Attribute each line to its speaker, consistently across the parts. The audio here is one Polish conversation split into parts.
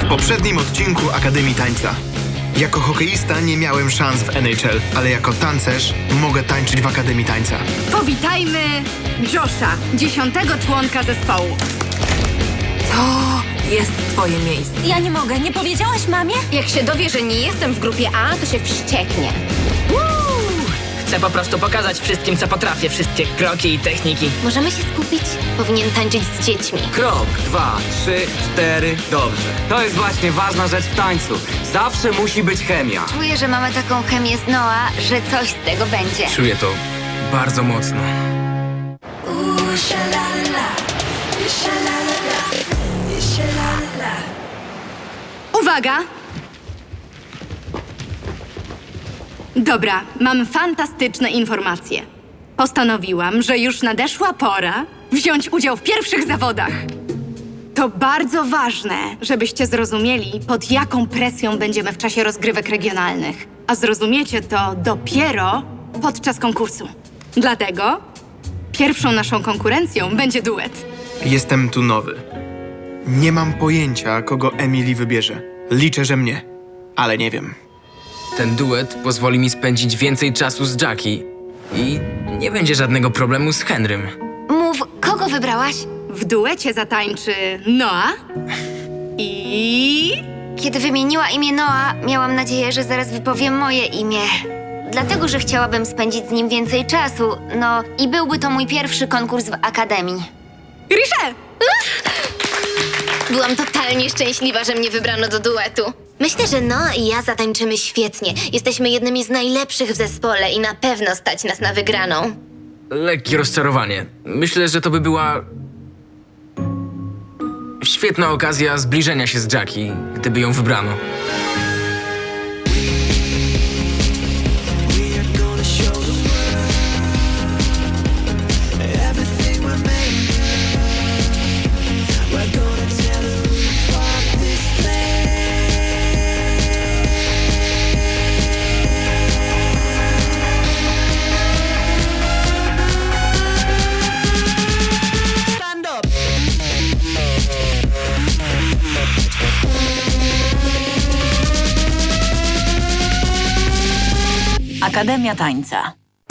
Speaker 1: W poprzednim odcinku Akademii Tańca. Jako hokeista nie miałem szans w NHL, ale jako tancerz mogę tańczyć w Akademii Tańca.
Speaker 2: Powitajmy Josha, 10. członka zespołu.
Speaker 3: To jest twoje miejsce.
Speaker 4: Ja nie mogę, nie powiedziałaś mamie?
Speaker 5: Jak się dowie, że nie jestem w grupie A, to się wścieknie.
Speaker 6: Chcę po prostu pokazać wszystkim, co potrafię, wszystkie kroki i techniki.
Speaker 5: Możemy się skupić? Powinien tańczyć z dziećmi.
Speaker 7: Krok, 2, 3, 4, dobrze. To jest właśnie ważna rzecz w tańcu. Zawsze musi być chemia.
Speaker 5: Czuję, że mamy taką chemię z Noah, że coś z tego będzie.
Speaker 7: Czuję to bardzo mocno.
Speaker 2: Uwaga! Dobra, mam fantastyczne informacje. Postanowiłam, że już nadeszła pora wziąć udział w pierwszych zawodach. To bardzo ważne, żebyście zrozumieli, pod jaką presją będziemy w czasie rozgrywek regionalnych. A zrozumiecie to dopiero podczas konkursu. Dlatego pierwszą naszą konkurencją będzie duet.
Speaker 1: Jestem tu nowy. Nie mam pojęcia, kogo Emily wybierze. Liczę, że mnie, ale nie wiem.
Speaker 7: Ten duet pozwoli mi spędzić więcej czasu z Jackie i nie będzie żadnego problemu z Henrym.
Speaker 5: Mów, kogo wybrałaś?
Speaker 2: W duecie zatańczy Noah i...
Speaker 5: Kiedy wymieniła imię Noah, miałam nadzieję, że zaraz wypowiem moje imię. Dlatego, że chciałabym spędzić z nim więcej czasu, no i byłby to mój pierwszy konkurs w Akademii.
Speaker 2: Richelle!
Speaker 5: Byłam totalnie szczęśliwa, że mnie wybrano do duetu. Myślę, że Noah i ja zatańczymy świetnie. Jesteśmy jednymi z najlepszych w zespole i na pewno stać nas na wygraną.
Speaker 7: Lekkie rozczarowanie. Myślę, że to by była świetna okazja zbliżenia się z Jackie, gdyby ją wybrano.
Speaker 4: Akademia Tańca.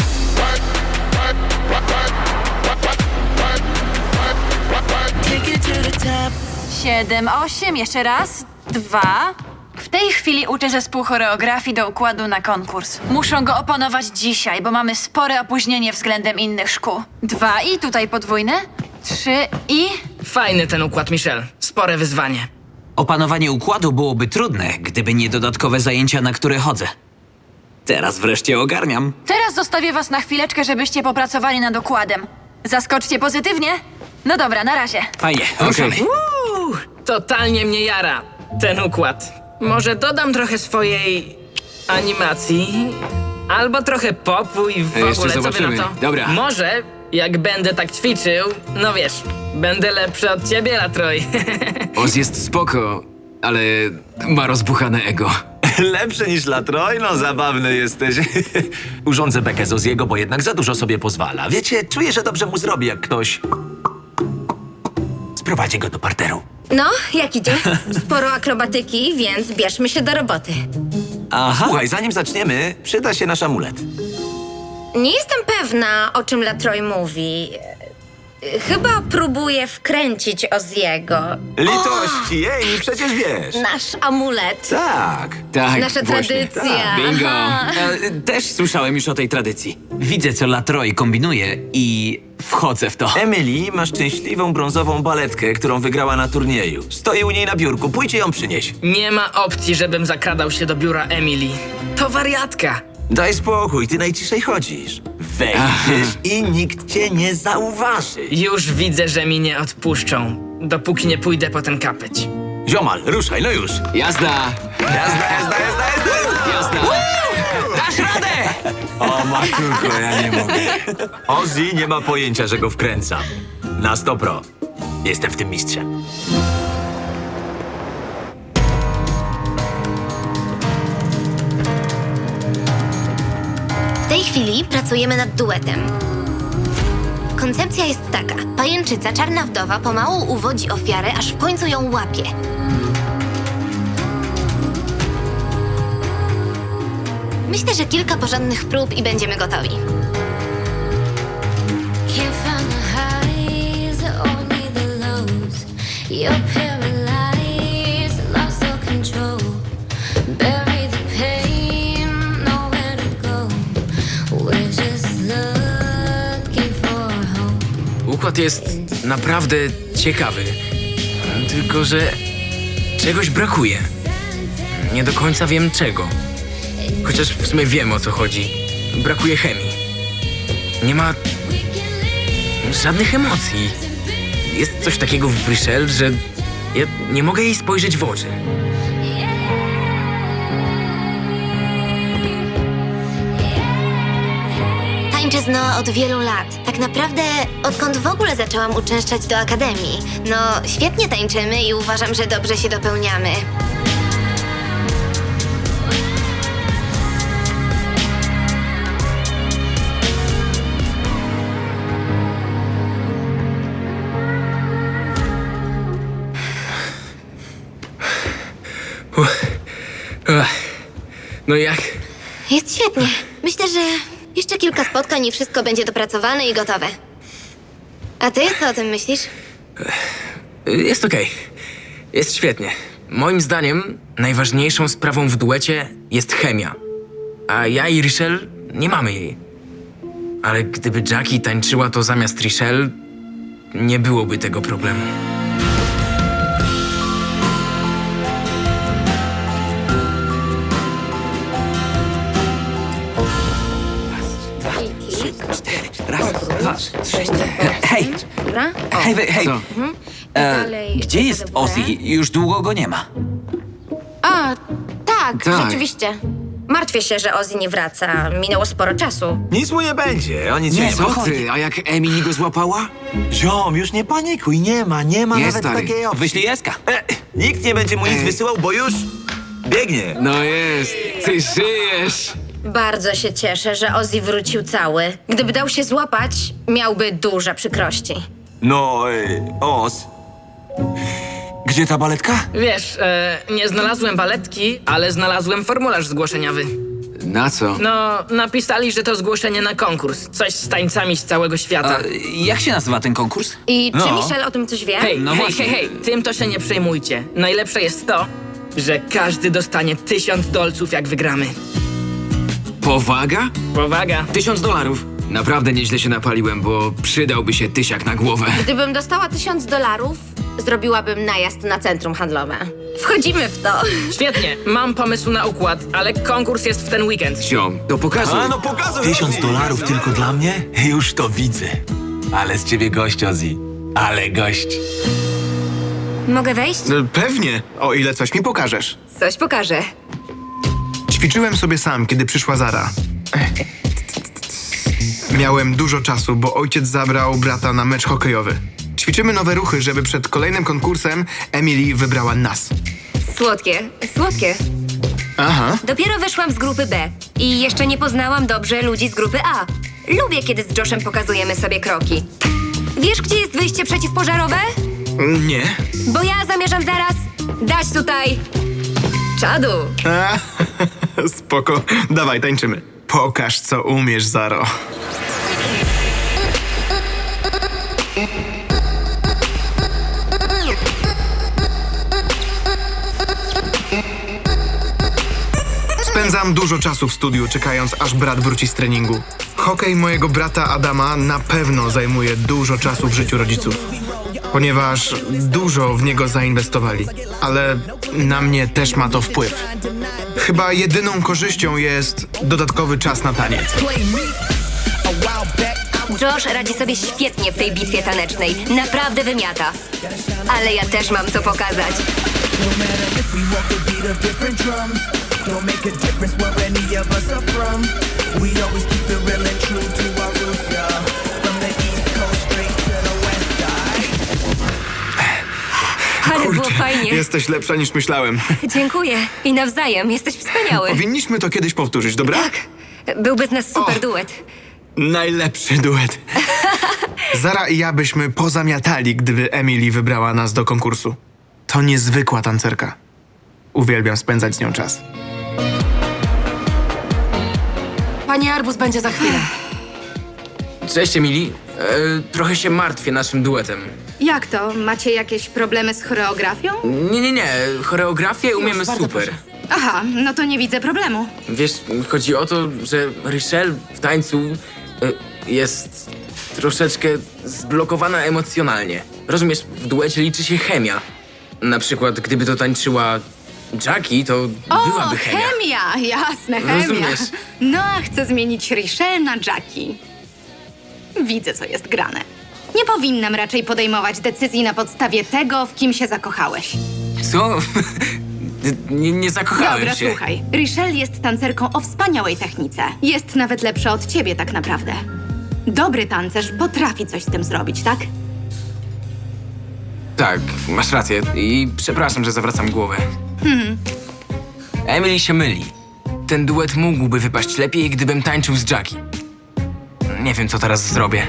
Speaker 4: 7, 8, jeszcze raz, 2. W tej chwili uczę zespół choreografii do układu na konkurs. Muszą go opanować dzisiaj, bo mamy spore opóźnienie względem innych szkół. 2 i tutaj podwójne. 3 i...
Speaker 6: Fajny ten układ, Michelle. Spore wyzwanie.
Speaker 8: Opanowanie układu byłoby trudne, gdyby nie dodatkowe zajęcia, na które chodzę. Teraz wreszcie ogarniam.
Speaker 4: Teraz zostawię was na chwileczkę, żebyście popracowali nad układem. Zaskoczcie pozytywnie? No dobra, na razie.
Speaker 8: Fajnie, ruszamy.
Speaker 6: Totalnie mnie jara ten układ. Może dodam trochę swojej animacji, albo trochę popu i w
Speaker 7: Jeszcze
Speaker 6: ogóle, co wy
Speaker 7: zobaczymy.
Speaker 6: na to?
Speaker 8: Dobra.
Speaker 6: Może, jak będę tak ćwiczył, no wiesz, będę lepszy od ciebie, Latroj.
Speaker 7: Oz jest spoko, ale ma rozbuchane ego.
Speaker 9: Lepszy niż Latroj? No zabawny jesteś. Urządzę bekę z Oziego, bo jednak za dużo sobie pozwala. Wiecie, czuję, że dobrze mu zrobi, jak ktoś sprowadzi go do parteru.
Speaker 5: No, jak idzie? Sporo akrobatyki, więc bierzmy się do roboty.
Speaker 8: Aha.
Speaker 9: Słuchaj, zanim zaczniemy, przyda się nasz amulet.
Speaker 5: Nie jestem pewna, o czym Latroj mówi. Chyba próbuje wkręcić Oziego.
Speaker 9: Litości, jej, przecież wiesz.
Speaker 5: Nasz amulet.
Speaker 9: Tak.
Speaker 8: Tak,
Speaker 5: Nasza
Speaker 8: właśnie.
Speaker 5: tradycja.
Speaker 8: Bingo.
Speaker 5: Aha.
Speaker 8: Też słyszałem już o tej tradycji. Widzę, co Latroj kombinuje i wchodzę w to.
Speaker 9: Emily ma szczęśliwą brązową baletkę, którą wygrała na turnieju. Stoi u niej na biurku, pójdźcie ją przynieść.
Speaker 6: Nie ma opcji, żebym zakradał się do biura Emily. To wariatka.
Speaker 9: Daj spokój, ty najciszej chodzisz. Wejdziesz i nikt cię nie zauważy.
Speaker 6: Już widzę, że mi nie odpuszczą, dopóki nie pójdę po ten kapeć.
Speaker 9: Ziomal, ruszaj, no już.
Speaker 8: Jazda! Jazda! Dasz radę!
Speaker 9: O, matulko, ja nie mogę. Ozzy nie ma pojęcia, że go wkręcam. Na 100%. Jestem w tym mistrzem.
Speaker 5: W tej chwili pracujemy nad duetem. Koncepcja jest taka. Pajęczyca, czarna wdowa, pomału uwodzi ofiarę, aż w końcu ją łapie. Myślę, że kilka porządnych prób i będziemy gotowi.
Speaker 10: Can't find the highs, only the lows. You're paralyzed, lost all control. Bury the pain, nowhere to go. We're just looking for hope.
Speaker 7: Układ jest naprawdę ciekawy. Tylko, że czegoś brakuje. Nie do końca wiem czego. Chociaż w sumie wiem, o co chodzi. Brakuje chemii. Nie ma żadnych emocji. Jest coś takiego w Richelle, że ja nie mogę jej spojrzeć w oczy.
Speaker 5: Tańczę z Noa od wielu lat. Tak naprawdę odkąd w ogóle zaczęłam uczęszczać do akademii. No, świetnie tańczymy i uważam, że dobrze się dopełniamy.
Speaker 7: No jak?
Speaker 5: Jest świetnie. Myślę, że jeszcze kilka spotkań i wszystko będzie dopracowane i gotowe. A ty co o tym myślisz?
Speaker 7: Jest okej. Jest świetnie. Moim zdaniem najważniejszą sprawą w duecie jest chemia. A ja i Richelle nie mamy jej. Ale gdyby Jackie tańczyła to zamiast Richelle, nie byłoby tego problemu.
Speaker 8: Hej! Hej! Gdzie jest Ozzy? Już długo go nie ma.
Speaker 11: A, tak,
Speaker 1: Tak.
Speaker 11: rzeczywiście. Martwię się, że Ozzy nie wraca. Minęło sporo czasu.
Speaker 9: Nic mu nie będzie, o nic się nie
Speaker 8: co
Speaker 9: martw.
Speaker 8: ty?
Speaker 12: A jak Emily go złapała?
Speaker 9: Ziom, już nie panikuj, nie ma
Speaker 12: Nie,
Speaker 9: nawet
Speaker 12: stary.
Speaker 9: takiej opcji.
Speaker 8: Wyślij Eska.
Speaker 9: Nikt nie będzie mu nic wysyłał, bo już biegnie.
Speaker 12: No jest, ty żyjesz.
Speaker 11: Bardzo się cieszę, że Ozzy wrócił cały. Gdyby dał się złapać, miałby duże przykrości.
Speaker 9: No, Oz.
Speaker 12: Gdzie ta baletka?
Speaker 6: Wiesz, nie znalazłem baletki, ale znalazłem formularz zgłoszeniowy.
Speaker 12: Na co?
Speaker 6: No, napisali, że to zgłoszenie na konkurs. Coś z tańcami z całego świata.
Speaker 8: A, jak się nazywa ten konkurs?
Speaker 11: I czy
Speaker 9: No.
Speaker 11: Michelle o tym coś wie?
Speaker 6: Hej,
Speaker 8: no
Speaker 6: hej,
Speaker 8: właśnie.
Speaker 6: hej, hej, tym to się nie przejmujcie. Najlepsze jest to, że każdy dostanie $1000 jak wygramy.
Speaker 12: Powaga?
Speaker 6: Powaga.
Speaker 12: $1000. Naprawdę nieźle się napaliłem, bo przydałby się tysiak na głowę.
Speaker 11: Gdybym dostała $1000, zrobiłabym najazd na centrum handlowe. Wchodzimy w to.
Speaker 6: Świetnie, mam pomysł na układ, ale konkurs jest w ten weekend.
Speaker 12: Ziom, to pokazuj.
Speaker 9: A no pokazuj.
Speaker 13: $1000 tylko dla mnie? Już to widzę.
Speaker 9: Ale z ciebie gość, Ozzy. Ale gość.
Speaker 11: Mogę wejść?
Speaker 1: Pewnie, o ile coś mi pokażesz.
Speaker 11: Coś pokażę.
Speaker 1: Ćwiczyłem sobie sam, kiedy przyszła Zara. Miałem dużo czasu, bo ojciec zabrał brata na mecz hokejowy. Ćwiczymy nowe ruchy, żeby przed kolejnym konkursem Emily wybrała nas.
Speaker 11: Słodkie, słodkie.
Speaker 1: Aha.
Speaker 11: Dopiero wyszłam z grupy B i jeszcze nie poznałam dobrze ludzi z grupy A. Lubię, kiedy z Joshem pokazujemy sobie kroki. Wiesz, gdzie jest wyjście przeciwpożarowe?
Speaker 1: Nie.
Speaker 11: Bo ja zamierzam zaraz dać tutaj czadu.
Speaker 1: A, spoko. Dawaj, tańczymy. Pokaż, co umiesz, Zaro. Spędzam dużo czasu w studiu, czekając, aż brat wróci z treningu. Hokej mojego brata Adama na pewno zajmuje dużo czasu w życiu rodziców, ponieważ dużo w niego zainwestowali, ale na mnie też ma to wpływ. Chyba jedyną korzyścią jest dodatkowy czas na taniec.
Speaker 11: Josh radzi sobie świetnie w tej bitwie tanecznej. Naprawdę wymiata. Ale ja też mam co pokazać. Ale było fajnie.
Speaker 1: Jesteś lepsza niż myślałem.
Speaker 11: Dziękuję. I nawzajem. Jesteś wspaniały.
Speaker 1: Powinniśmy to kiedyś powtórzyć, dobra?
Speaker 11: Tak. Byłby z nas super
Speaker 1: O.
Speaker 11: duet.
Speaker 1: Najlepszy duet. Zara i ja byśmy pozamiatali, gdyby Emily wybrała nas do konkursu. To niezwykła tancerka. Uwielbiam spędzać z nią czas.
Speaker 3: Pani Arbus będzie za chwilę.
Speaker 7: Cześć, Emily. Trochę się martwię naszym duetem.
Speaker 2: Jak to? Macie jakieś problemy z choreografią?
Speaker 7: Nie. Choreografię umiemy
Speaker 3: bardzo
Speaker 7: super.
Speaker 3: proszę.
Speaker 2: Aha, no to nie widzę problemu.
Speaker 7: Wiesz, chodzi o to, że Richelle w tańcu jest troszeczkę zblokowana emocjonalnie. Rozumiesz, w duecie liczy się chemia. Na przykład, gdyby to tańczyła Jackie, to byłaby chemia.
Speaker 2: chemia! Jasne, chemia.
Speaker 7: Rozumiesz?
Speaker 2: No, a chcę zmienić Richelle na Jackie. Widzę, co jest grane. Nie powinnam raczej podejmować decyzji na podstawie tego, w kim się zakochałeś.
Speaker 7: Co? nie zakochałem
Speaker 2: Dobra,
Speaker 7: się.
Speaker 2: słuchaj. Richelle jest tancerką o wspaniałej technice. Jest nawet lepsza od ciebie tak naprawdę. Dobry tancerz potrafi coś z tym zrobić, tak?
Speaker 7: Tak, masz rację i przepraszam, że zawracam głowę. Emily się myli. Ten duet mógłby wypaść lepiej, gdybym tańczył z Jackie. Nie wiem, co teraz zrobię.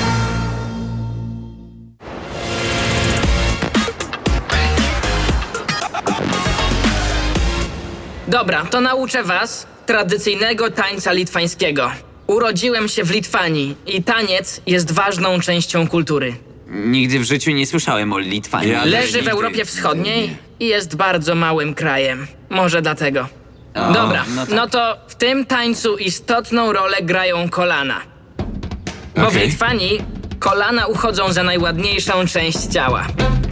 Speaker 6: Dobra, to nauczę was tradycyjnego tańca litwańskiego. Urodziłem się w Litwanii i taniec jest ważną częścią kultury.
Speaker 8: Nigdy w życiu nie słyszałem o Litwanii.
Speaker 6: Leży w Europie Wschodniej i jest bardzo małym krajem. Może dlatego. Dobra,
Speaker 8: no tak.
Speaker 6: no to w tym tańcu istotną rolę grają kolana. Bo w
Speaker 13: Okej.
Speaker 6: Litwanii kolana uchodzą za najładniejszą część ciała.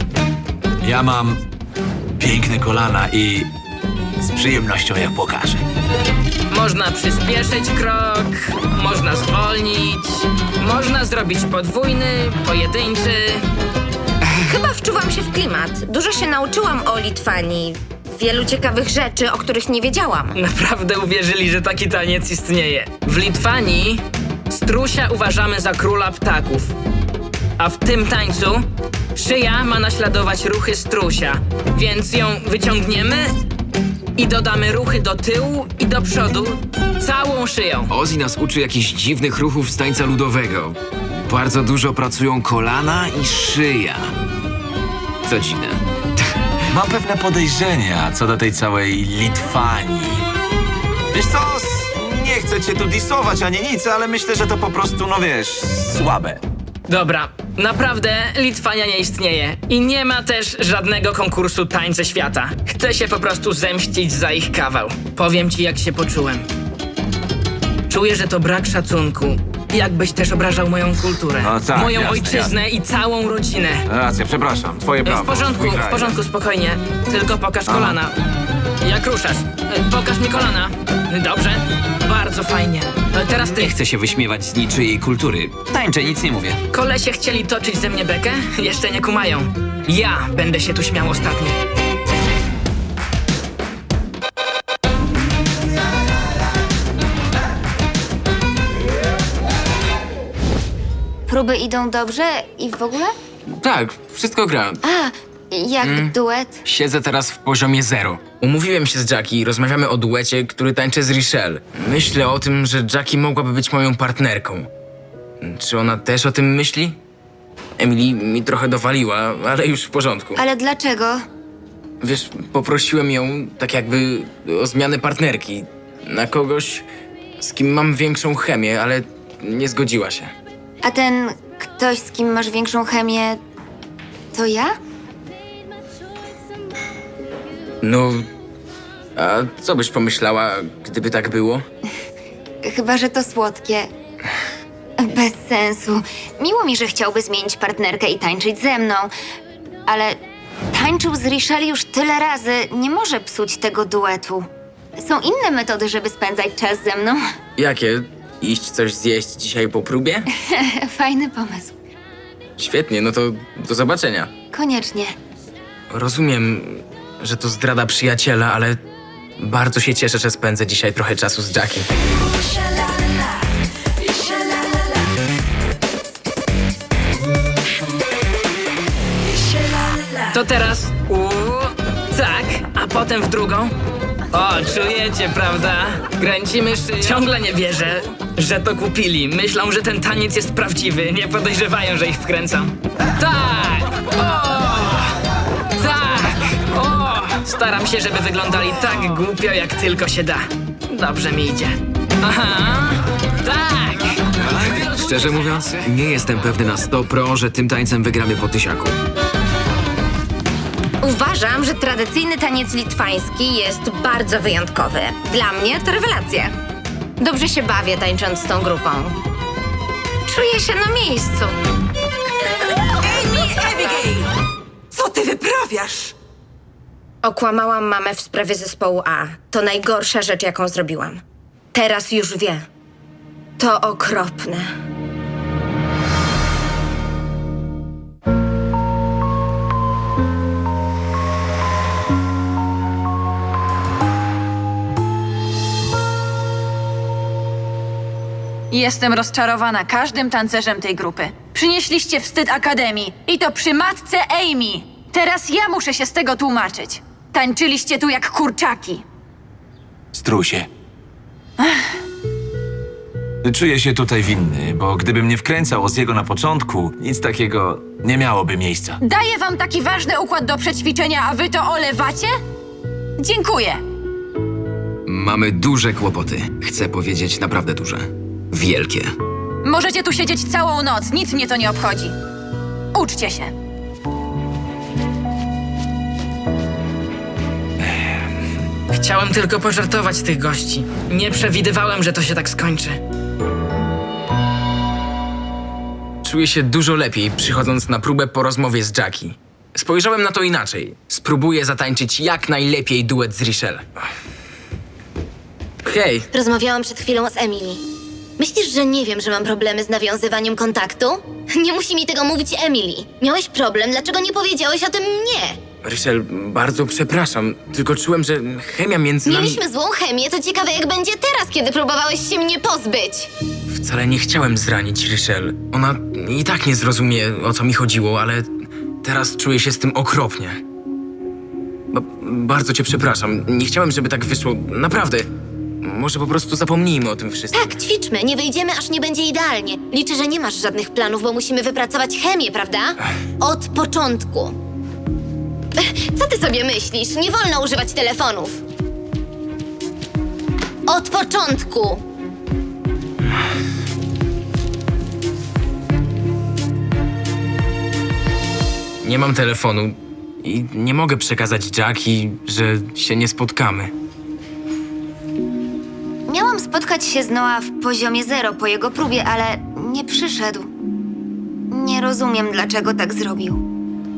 Speaker 13: Ja mam piękne kolana i z przyjemnością je pokażę.
Speaker 6: Można przyspieszyć krok, można zwolnić, można zrobić podwójny, pojedynczy.
Speaker 11: Chyba wczuwam się w klimat. Dużo się nauczyłam o Litwanii. Wielu ciekawych rzeczy, o których nie wiedziałam.
Speaker 6: Naprawdę uwierzyli, że taki taniec istnieje. W Litwanii strusia uważamy za króla ptaków. A w tym tańcu szyja ma naśladować ruchy strusia. Więc ją wyciągniemy i dodamy ruchy do tyłu i do przodu całą szyją.
Speaker 12: Ozzy nas uczy jakichś dziwnych ruchów z tańca ludowego. Bardzo dużo pracują kolana i szyja. To dziwne.
Speaker 13: Mam pewne podejrzenia co do tej całej Litwanii. Wiesz co, nie chcę cię tu disować ani nic, ale myślę, że to po prostu, no wiesz, słabe.
Speaker 6: Dobra, naprawdę Litwania nie istnieje i nie ma też żadnego konkursu Tańce Świata. Chcę się po prostu zemścić za ich kawał. Powiem ci, jak się poczułem. Czuję, że to brak szacunku. Jakbyś też obrażał moją kulturę,
Speaker 13: No tak,
Speaker 6: moją
Speaker 13: jasne,
Speaker 6: ojczyznę i całą rodzinę.
Speaker 13: Racja, przepraszam, twoje prawo.
Speaker 6: W porządku, spokojnie. Tylko pokaż kolana. Jak ruszasz? Pokaż mi kolana. Dobrze? Bardzo fajnie. Teraz ty.
Speaker 8: Nie chcę się wyśmiewać z niczyjej kultury. Tańczę, nic nie mówię.
Speaker 6: Kolesie chcieli toczyć ze mnie bekę? Jeszcze nie kumają. Ja będę się tu śmiał ostatni.
Speaker 5: Próby idą dobrze i w ogóle?
Speaker 7: Tak, wszystko gra.
Speaker 5: A, jak duet?
Speaker 7: Siedzę teraz w poziomie 0. Umówiłem się z Jackie i rozmawiamy o duecie, który tańczę z Richelle. Myślę o tym, że Jackie mogłaby być moją partnerką. Czy ona też o tym myśli? Emily mi trochę dowaliła, ale już w porządku.
Speaker 5: Ale dlaczego?
Speaker 7: Wiesz, poprosiłem ją tak jakby o zmianę partnerki. Na kogoś, z kim mam większą chemię, ale nie zgodziła się.
Speaker 5: A ten ktoś, z kim masz większą chemię, to ja?
Speaker 7: No, a co byś pomyślała, gdyby tak było?
Speaker 5: Chyba, że to słodkie. Bez sensu. Miło mi, że chciałby zmienić partnerkę i tańczyć ze mną, ale tańczył z Richelle już tyle razy, nie może psuć tego duetu. Są inne metody, żeby spędzać czas ze mną.
Speaker 7: Jakie? Iść coś zjeść dzisiaj po próbie?
Speaker 5: Fajny pomysł.
Speaker 7: Świetnie, no to do zobaczenia.
Speaker 5: Koniecznie.
Speaker 7: Rozumiem, że to zdrada przyjaciela, ale bardzo się cieszę, że spędzę dzisiaj trochę czasu z Jackie.
Speaker 6: To teraz tak, a potem w drugą. O, czujecie, prawda? Kręcimy szyję. Ciągle nie wierzę, że to kupili. Myślą, że ten taniec jest prawdziwy. Nie podejrzewają, że ich wkręcam. Tak! O! Tak! O! Staram się, żeby wyglądali tak głupio, jak tylko się da. Dobrze mi idzie. Aha, tak!
Speaker 12: Szczerze mówiąc, nie jestem pewny na 100%, że tym tańcem wygramy po tysiaku.
Speaker 11: Uważam, że tradycyjny taniec litwański jest bardzo wyjątkowy. Dla mnie to rewelacja. Dobrze się bawię tańcząc z tą grupą. Czuję się na miejscu.
Speaker 3: Amy, Abigail! Co ty wyprawiasz?
Speaker 11: Okłamałam mamę w sprawie zespołu A. To najgorsza rzecz, jaką zrobiłam. Teraz już wie. To okropne.
Speaker 4: Jestem rozczarowana każdym tancerzem tej grupy. Przynieśliście wstyd Akademii i to przy matce Amy. Teraz ja muszę się z tego tłumaczyć. Tańczyliście tu jak kurczaki.
Speaker 13: Strusie. Czuję się tutaj winny, bo gdybym nie wkręcał Oziego na początku, nic takiego nie miałoby miejsca.
Speaker 4: Daję wam taki ważny układ do przećwiczenia, a wy to olewacie? Dziękuję.
Speaker 12: Mamy duże kłopoty. Chcę powiedzieć naprawdę duże. Wielkie.
Speaker 4: Możecie tu siedzieć całą noc, nic mnie to nie obchodzi. Uczcie się.
Speaker 6: Chciałem tylko pożartować tych gości. Nie przewidywałem, że to się tak skończy.
Speaker 7: Czuję się dużo lepiej, przychodząc na próbę po rozmowie z Jackie. Spojrzałem na to inaczej. Spróbuję zatańczyć jak najlepiej duet z Richelle. Hej,
Speaker 14: Rozmawiałam przed chwilą z Emily. Myślisz, że nie wiem, że mam problemy z nawiązywaniem kontaktu? Nie musi mi tego mówić Emily. Miałeś problem, dlaczego nie powiedziałeś o tym mnie?
Speaker 7: Richelle, bardzo przepraszam, tylko czułem, że chemia między nami...
Speaker 14: Mieliśmy złą chemię, to ciekawe jak będzie teraz, kiedy próbowałeś się mnie pozbyć.
Speaker 7: Wcale nie chciałem zranić Richelle. Ona i tak nie zrozumie, o co mi chodziło, ale teraz czuję się z tym okropnie. Bardzo cię przepraszam. Nie chciałem, żeby tak wyszło. Naprawdę. Może po prostu zapomnijmy o tym wszystkim.
Speaker 14: Tak, ćwiczmy, nie wyjdziemy, aż nie będzie idealnie. Liczę, że nie masz żadnych planów, bo musimy wypracować chemię, prawda? Od początku. Co ty sobie myślisz? Nie wolno używać telefonów. Od początku.
Speaker 7: Nie mam telefonu i nie mogę przekazać Jackie, że się nie spotkamy.
Speaker 5: Miałam spotkać się z Noah w poziomie 0 po jego próbie, ale nie przyszedł. Nie rozumiem, dlaczego tak zrobił.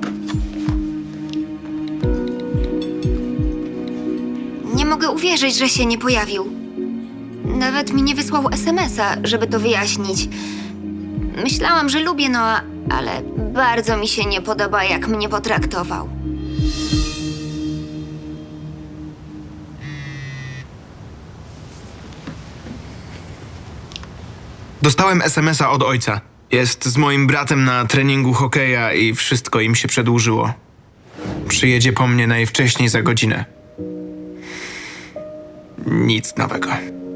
Speaker 5: Nie mogę uwierzyć, że się nie pojawił. Nawet mi nie wysłał SMS-a, żeby to wyjaśnić. Myślałam, że lubię Noah, ale bardzo mi się nie podoba, jak mnie potraktował.
Speaker 1: Dostałem SMS-a od ojca. Jest z moim bratem na treningu hokeja i wszystko im się przedłużyło. Przyjedzie po mnie najwcześniej za godzinę. Nic nowego.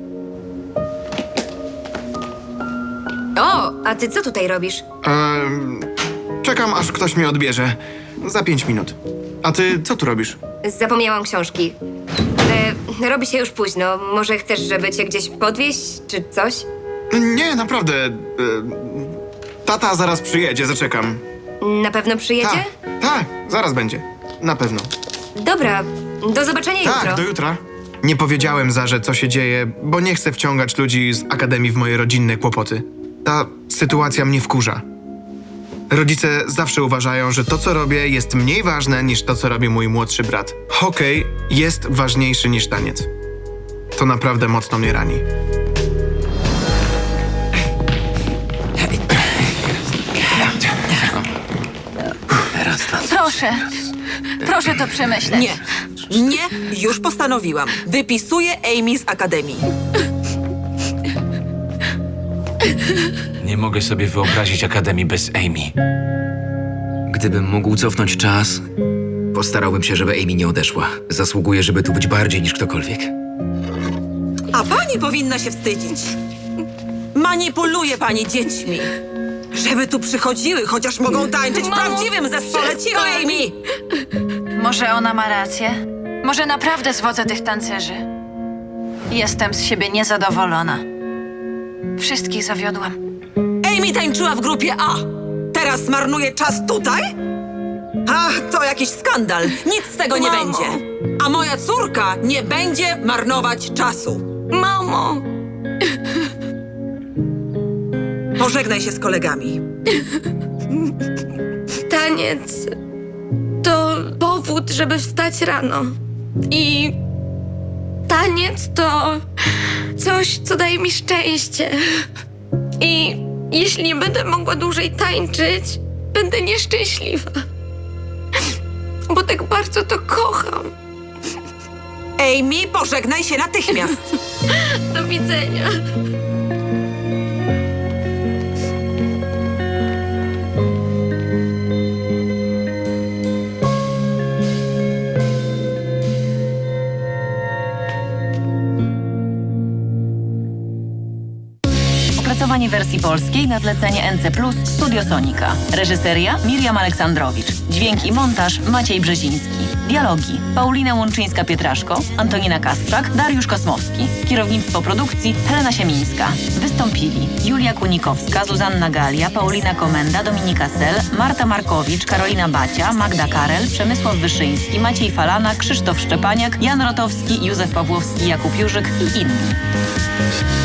Speaker 11: O, a ty co tutaj robisz?
Speaker 1: Czekam, aż ktoś mnie odbierze. Za 5 minut. A ty co tu robisz?
Speaker 11: Zapomniałam książki. Robi się już późno. Może chcesz, żeby cię gdzieś podwieźć, czy coś?
Speaker 1: Nie, naprawdę. Tata zaraz przyjedzie, zaczekam.
Speaker 11: Na pewno przyjedzie?
Speaker 1: Tak, zaraz będzie. Na pewno.
Speaker 11: Dobra, do zobaczenia jutro.
Speaker 1: Tak, do jutra. Nie powiedziałem Zarze, co się dzieje, bo nie chcę wciągać ludzi z Akademii w moje rodzinne kłopoty. Ta sytuacja mnie wkurza. Rodzice zawsze uważają, że to, co robię, jest mniej ważne niż to, co robi mój młodszy brat. Hokej jest ważniejszy niż taniec. To naprawdę mocno mnie rani.
Speaker 4: Proszę to przemyśleć.
Speaker 3: Nie, już postanowiłam. Wypisuję Amy z Akademii.
Speaker 13: Nie mogę sobie wyobrazić Akademii bez Amy.
Speaker 12: Gdybym mógł cofnąć czas, postarałbym się, żeby Amy nie odeszła. Zasługuje, żeby tu być bardziej niż ktokolwiek.
Speaker 3: A pani powinna się wstydzić. Manipuluje pani dziećmi. Żeby tu przychodziły, chociaż mogą tańczyć w prawdziwym zespole. Cicho, Amy!
Speaker 4: Może ona ma rację? Może naprawdę zwodzę tych tancerzy? Jestem z siebie niezadowolona. Wszystkich zawiodłam.
Speaker 3: Amy tańczyła w grupie A. Teraz marnuje czas tutaj? Ach, to jakiś skandal. Nic z tego nie będzie. A moja córka nie będzie marnować czasu.
Speaker 11: Mamo!
Speaker 3: Pożegnaj się z kolegami.
Speaker 11: Taniec to powód, żeby wstać rano. I taniec to coś, co daje mi szczęście. I jeśli nie będę mogła dłużej tańczyć, będę nieszczęśliwa. Bo tak bardzo to kocham.
Speaker 3: Amy, pożegnaj się natychmiast.
Speaker 11: Do widzenia.
Speaker 15: Opracowanie wersji polskiej na zlecenie NC+, Studio Sonika. Reżyseria Miriam Aleksandrowicz. Dźwięk i montaż Maciej Brzeziński. Dialogi Paulina Łączyńska-Pietraszko, Antonina Kasprzak, Dariusz Kosmowski. Kierownictwo produkcji Helena Siemińska. Wystąpili Julia Kunikowska, Zuzanna Galia, Paulina Komenda, Dominika Sel, Marta Markowicz, Karolina Bacia, Magda Karel, Przemysław Wyszyński, Maciej Falana, Krzysztof Szczepaniak, Jan Rotowski, Józef Pawłowski, Jakub Jurzyk i inni.